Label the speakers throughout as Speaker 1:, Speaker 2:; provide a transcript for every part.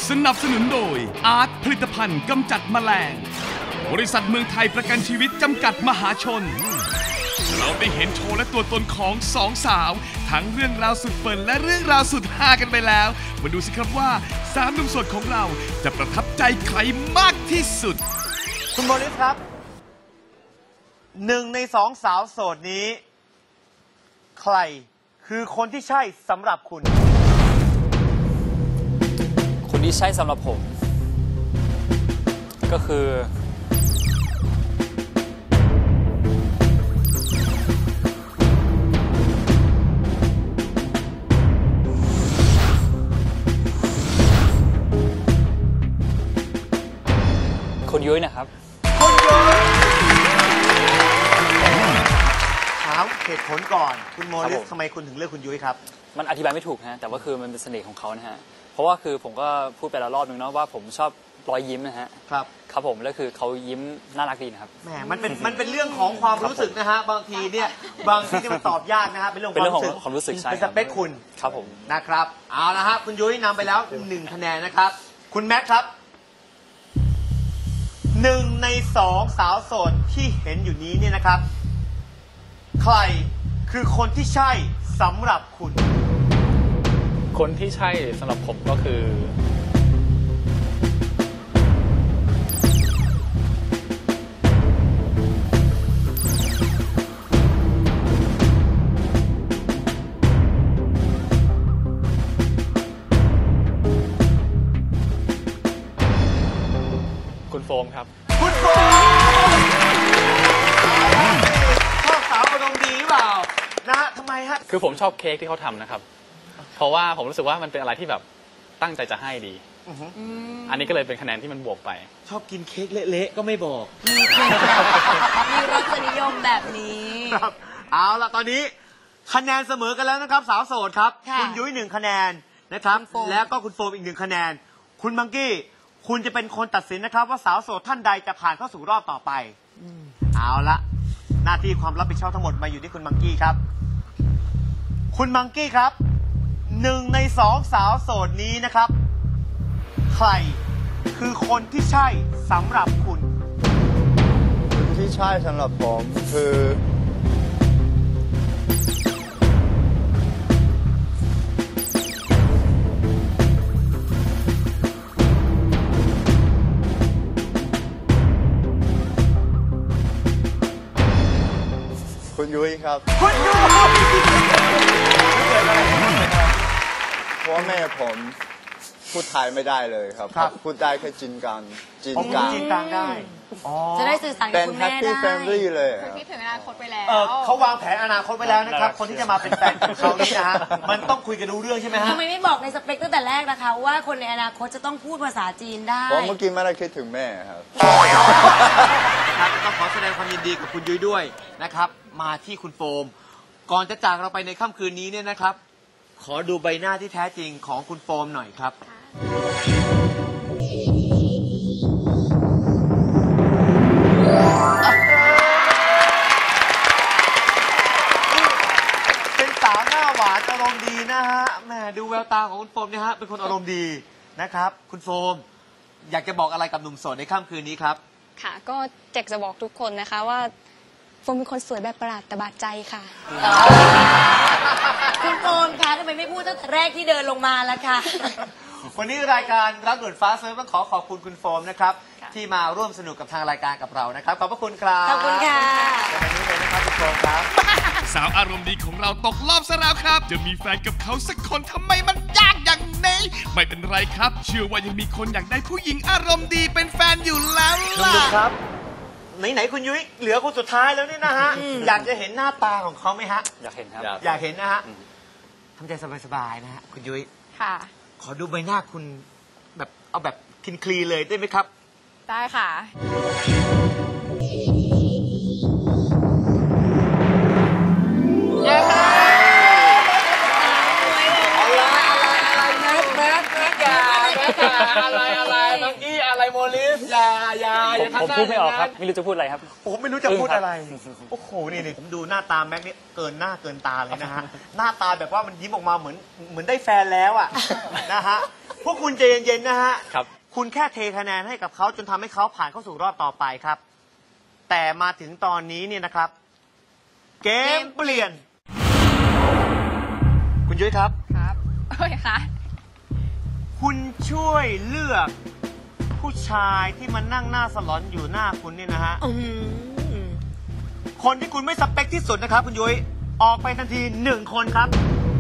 Speaker 1: สนับสนุนโดยอาร์ตผลิตภัณฑ์กำจัดแมลงบริษัทเมืองไทยประกันชีวิตจำกัดมหาชนเราได้เห็นโชว์และตัวตนของสองสาวทั้งเรื่องราวสุดเฟินและเรื่องราวสุดฮากันไปแล้วมาดูสิครับว่าสามหนุ่มโสดของเราจะประทับใจใครมากที่สุด
Speaker 2: คุณโมลิสครับหนึ่งในสองสาวโสดนี้ใครคือคนที่ใช่สำหรับคุณ
Speaker 3: คนที่ใช่สำหรับผมก็คือคุณยุ้ยนะครับ
Speaker 2: คุณยุ้ยถามเหตุผลก่อนคุณโมลิสทำไมคุณถึงเลือกคุณยุ้ยครับ
Speaker 3: มันอธิบายไม่ถูกฮะแต่ว่าคือมันเป็นเสน่ห์ของเขานะฮะเพราะว่าคือผมก็พูดไปแล้วรอบนึงเนาะว่าผมชอบรอยยิ้มนะฮะครับผมแล้วคือเขายิ้มน่ารักดีนะครับ
Speaker 2: แหมมันเป็นเรื่องของความรู้สึกนะฮะบางทีเนี่ยมันตอบยากนะฮะเป็นเรื่องของ
Speaker 3: ความรู้สึกใช่
Speaker 2: เป็นสเปคคุณ
Speaker 3: ครับผม
Speaker 2: นะครับเอาละฮะคุณยุ้ยนำไปแล้ว1คะแนนนะครับคุณแม็กครับ1 ใน 2สาวโสดที่เห็นอยู่นี้เนี่ยนะครับใครคือคนที่ใช่สำหรับคุณ
Speaker 4: คนที่ใช่สำหรับผมก็คือคุณโฟมครับ
Speaker 2: คุณโฟมชอบสาวอารมณ์ดีหรือเปล่านะฮะทำไมฮะ
Speaker 4: คือผมชอบเค้กที่เขาทำนะครับเพราะว่าผมรู้สึกว่ามันเป็นอะไรที่แบบตั้งใจจะให้ดีอันนี้ก็เลยเป็นคะแนนที่มันบวกไป
Speaker 2: ชอบกินเค้กเละๆก็ไม่บอก
Speaker 5: มีรสนิยมแบบนี้
Speaker 2: ครับเอาล่ะตอนนี้คะแนนเสมอกันแล้วนะครับสาวโสดครับคุณยุ้ย1 คะแนนนะครับแล้วก็คุณโฟมอีก1 คะแนนคุณมังกี้คุณจะเป็นคนตัดสินนะครับว่าสาวโสดท่านใดจะผ่านเข้าสู่รอบต่อไปเอาละหน้าที่ความรับผิดชอบทั้งหมดมาอยู่ที่คุณมังกี้ครับคุณมังกี้ครับ1 ใน 2สาวโสดนี้นะครับใครคือคนที่ใช่สำหรับคุณ
Speaker 6: คนที่ใช่สำหรับผมคือคุณยุ้ยครับ
Speaker 2: คุณยุ้ย
Speaker 6: เพราะแม่ผมพูดไทยไม่ได้เลยครับพูดได้แค่จีนกลาง
Speaker 2: ได้
Speaker 5: จะได้สื่อสารกับคุณแม่ได้
Speaker 6: เป็น Happy Family เลย
Speaker 5: คิดถึงอนาคตไปแล้ว
Speaker 2: เขาวางแผนอนาคตไปแล้วนะครับคนที่จะมาเป็นแฟนของเขานี่นะฮะมันต้องคุยกันรู้เรื่องใช่ไหมฮะ
Speaker 5: ทำไมไม่บอกในสเปคตั้งแต่แรกนะคะว่าคนในอนาคตจะต้องพูดภาษาจีนได้
Speaker 6: เพราะเมื่อกี้ไม่ได้คิดถึงแม่ครับ
Speaker 2: ต้องขอแสดงความยินดีกับคุณยุ้ยด้วยนะครับมาที่คุณโฟมก่อนจะจากเราไปในค่ำคืนนี้เนี่ยนะครับขอดูใบหน้าที่แท้จริงของคุณโฟมหน่อยครับเป็นสาวหน้าหวานอารมณ์ดีนะฮะแหมดูแววตาของคุณโฟมเนี่ยฮะเป็นคนอารมณ์ดีนะครับคุณโฟมอยากจะบอกอะไรกับหนุ่มโสดในค่ำคืนนี้ครับ
Speaker 7: ค่ะก็อยากจะบอกทุกคนนะคะว่าโฟมเป็นคนสวยแบบประหลาดแต่บาดใจค่ะ
Speaker 5: คุณโฟมคะทำไมไม่พูดตั้งแต่แรกที่เดินลงมาล่ะคะ
Speaker 2: วันนี้รายการรักด่วนฟ้าเซิร์ฟต้องขอบคุณคุณโฟมนะครับที่มาร่วมสนุกกับทางรายการกับเรานะครับขอบพระคุณครับ
Speaker 5: ขอบคุณค่ะ
Speaker 2: วันนี้เลยนะครับคุณโฟมครับ
Speaker 1: สาวอารมณ์ดีของเราตกรอบซะแล้วครับจะมีแฟนกับเขาสักคนทำไมมันยากอย่างนี้ไม่เป็นไรครับเชื่อว่ายังมีคนอยากได้ผู้หญิงอารมณ์ดีเป็นแฟนอยู่แล้วล่ะ
Speaker 2: ครับไหนคุณยุ้ยเหลือคนสุดท้ายแล้วนี่นะฮะอยากจะเห็นหน้าตาของเขาไหมฮะ
Speaker 3: อยากเห็นครับ
Speaker 2: อยากเห็นนะฮะทำใจสบายๆนะฮะคุณยุ้ย
Speaker 7: ค่ะ
Speaker 2: ขอดูใบหน้าคุณแบบเอาแบบคลีนๆเลยได้ไหมครับ
Speaker 7: ได้ค่ะ
Speaker 2: อะไรมังกี้อะไรโมลิสอย่าท
Speaker 3: ผมพูดไม่ออกครับ ไม่รู้จะพูดอะไรครับ
Speaker 2: ผมไม่รู้จะพูดอะไร โอ้โห นี่ผมดูหน้าตาแม็กนี่เกินหน้าเกินตาเลยนะฮะ หน้าตาแบบว่ามันยิ้มออกมาเหมือนได้แฟนแล้วอ่ะ นะฮะ พวกคุณใจเย็นๆนะฮะ
Speaker 4: ครับ
Speaker 2: คุณแค่เทคะแนนให้กับเขาจนทำให้เขาผ่านเข้าสู่รอบต่อไปครับ แต่มาถึงตอนนี้เนี่ยนะครับ เกมเปลี่ยน คุณยุ้ยครับ
Speaker 7: ครับโอ้ยค่ะ
Speaker 2: คุณช่วยเลือกผู้ชายที่มันนั่งหน้าสลอนอยู่หน้าคุณเนี่ยนะฮะ คนที่คุณไม่สเปคที่สุดนะครับ คุณยุ้ยออกไปทันที1 คนครับ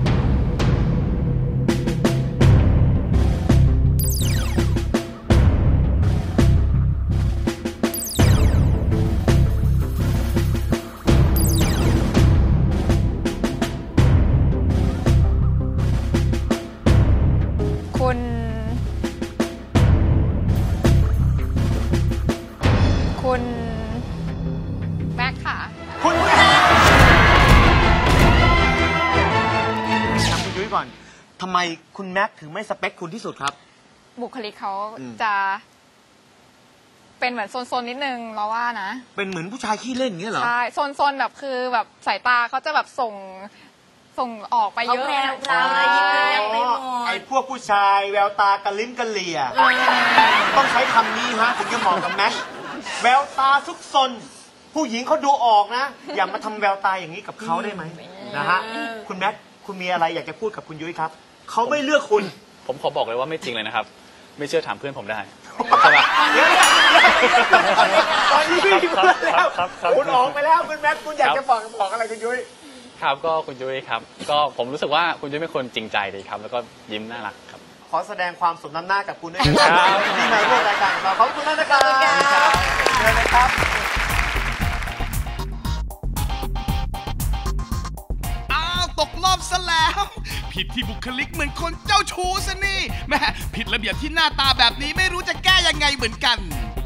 Speaker 7: คุณแม็กค่ะ
Speaker 2: คุณแม่ถามคุณยุ้ยก่อนทำไมคุณแม็กถึงไม่สเปคคุณที่สุดครับ
Speaker 7: บุคลิกเขา
Speaker 2: อืม
Speaker 7: จะเป็นเหมือนโซนๆนิดนึงเราว่านะ
Speaker 2: เป็นเหมือนผู้ชายขี้เล่นอย่างเงี้ยเหรอ
Speaker 7: ใช่โซนๆแบบคือแบบสายตาเขาจะแบบส่งออกไปเยอะ
Speaker 5: เขาแพรวพราวอะไรยิ้มแย้มไปหมด
Speaker 2: ไอ้พวกผู้ชายแววตากระลิ้มกระเหลี่ยต้องใช้คำนี้ฮะถึงจะเหมาะกับแม็กแววตาซุกซนผู้หญิงเขาดูออกนะ อย่ามาทำแววตาอย่างนี้กับเขาได้ไหมนะฮะคุณแม็กคุณมีอะไรอยากจะพูดกับคุณยุ้ยครับเขาไม่เลือกคุณ
Speaker 4: ผมขอบอกเลยว่าไม่จริงเลยนะครับ ไม่เชื่อถามเพื่อนผมได้
Speaker 2: ตอนนี้พี่เพื่อนแล้ว
Speaker 4: ครับ
Speaker 2: คุณออกไปแล้วคุณแม็กคุณอยากจะบอกอะไรคุณยุ้ย
Speaker 4: ครับก็คุณยุ้ยครับ ก็ผมรู้สึกว่าคุณยุ้ยเป็นคนจริงใจดีครับ แล้วก็ยิ้มน่ารักครับ
Speaker 2: ขอแสดงความสมน้ำหน้ากับคุณด้วยนะครับที่มาร่วมรายการของเราขอบคุณมากนะครับเชิญเลยครับ
Speaker 1: อ้าวตกรอบซะแล้ว ผิดที่บุคลิกเหมือนคนเจ้าชู้ซะนี่แม่ผิดระเบียบที่หน้าตาแบบนี้ไม่รู้จะแก้ยังไงเหมือนกัน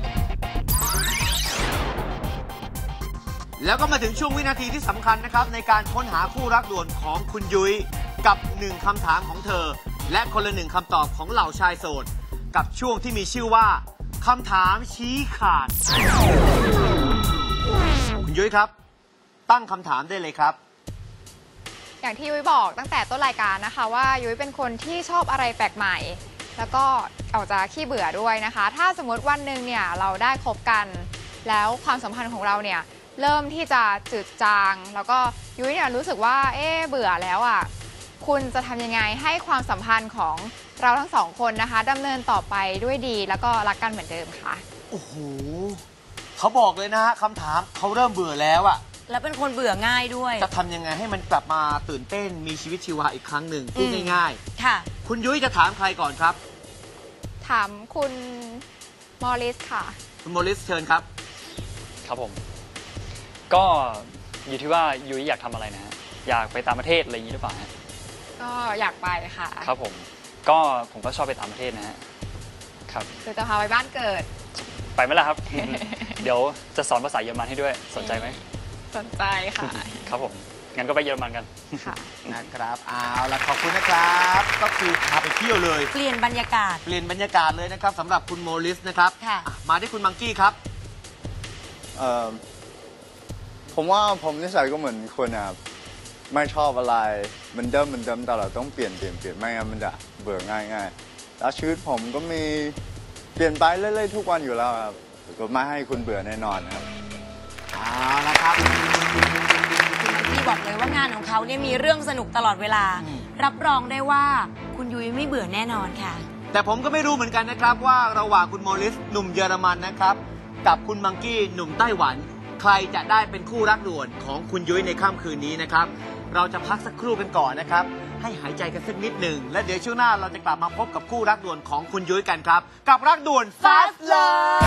Speaker 2: แล้วก็มาถึงช่วงวินาทีที่สำคัญนะครับในการค้นหาคู่รักด่วนของคุณยุ้ยกับ1 คำถามของเธอ และคนละ1 คำตอบของเหล่าชายโสด กับช่วงที่มีชื่อว่าคำถามชี้ขาด คุณยุ้ยครับ ตั้งคำถามได้เลยครับ
Speaker 7: อย่างที่ยุ้ยบอกตั้งแต่ต้นรายการนะคะว่ายุ้ยเป็นคนที่ชอบอะไรแปลกใหม่ แล้วก็ออกจะขี้เบื่อด้วยนะคะ ถ้าสมมติวันหนึ่งเนี่ยเราได้คบกัน แล้วความสัมพันธ์ของเราเนี่ยเริ่มที่จะจืดจาง แล้วก็ยุ้ยเนี่ยรู้สึกว่าเบื่อแล้วอ่ะคุณจะทำยังไงให้ความสัมพันธ์ของเราทั้งสองคนนะคะดำเนินต่อไปด้วยดีแล้วก็รักกันเหมือนเดิมค่ะ
Speaker 2: โอ้โหเขาบอกเลยนะฮะคำถามเขาเริ่มเบื่อแล้วอะ
Speaker 5: แล้วเป็นคนเบื่อง่ายด้วย
Speaker 2: จะทำยังไงให้มันกลับมาตื่นเต้นมีชีวิตชีวาอีกครั้งหนึ่งพูดง่าย
Speaker 5: ค่ะ
Speaker 2: ๆ คุณยุ้ยจะถามใครก่อนครับ
Speaker 7: ถามคุณมอริสค่ะ
Speaker 2: คุณโมลิสเชิญครับ
Speaker 3: ครับผม ก็อยู่ที่ว่ายุ้ยอยากทำอะไรนะฮะ อยากไปต่างประเทศอะไรอย่างนี้หรือเปล่าฮะ
Speaker 7: ก็อยากไปค่ะ
Speaker 3: ครับผม ก็ผมก็ชอบไปต่างประเทศนะฮะ ครับ
Speaker 7: คือจะพาไปบ้านเกิด
Speaker 3: ไปไหมล่ะครับ เดี๋ยวจะสอนภาษาเยอรมันให้ด้วย สนใจไหม
Speaker 7: สนใจค่ะ
Speaker 3: ครับผม งั้นก็ไปเยอรมันกัน
Speaker 7: ค่ะ
Speaker 2: นะครับเอาละขอบคุณนะครับ ก็คือพาไปเที่ยวเลย
Speaker 5: เปลี่ยนบรรยากาศ
Speaker 2: เปลี่ยนบรรยากาศเลยนะครับสำหรับคุณโมลิสนะครับ
Speaker 5: ค่ะ
Speaker 2: มาที่คุณมังกี้ครับ
Speaker 6: ผมว่าผมนิสัยก็เหมือนคุณนะครับไม่ชอบอะไรมันเดิมตลอดต้องเปลี่ยนไม่งั้นมันจะเบื่อง่ายแล้วชีวิตผมก็มีเปลี่ยนไปเรื่อยๆทุกวันอยู่แล้วครับก็ไม่ให้คุณเบื่อแน่นอนครับ
Speaker 2: เอาละครับ
Speaker 5: คุณมังกี้บอกเลยว่างานของเขาเนี่ยมีเรื่องสนุกตลอดเวลา รับรองได้ว่าคุณยุ้ยไม่เบื่อแน่นอนค่ะ
Speaker 2: แต่ผมก็ไม่รู้เหมือนกันนะครับว่าระหว่างคุณโมลิสหนุ่มเยอรมันนะครับกับคุณมังกี้หนุ่มไต้หวัน ใครจะได้เป็นคู่รักด่วนของคุณยุ้ยในค่ำคืนนี้นะครับเราจะพักสักครู่กันก่อนนะครับให้หายใจกันสักนิดหนึ่งและเดี๋ยวช่วงหน้าเราจะกลับมาพบกับคู่รักด่วนของคุณยุ้ยกันครับกับรักด่วน Fast Love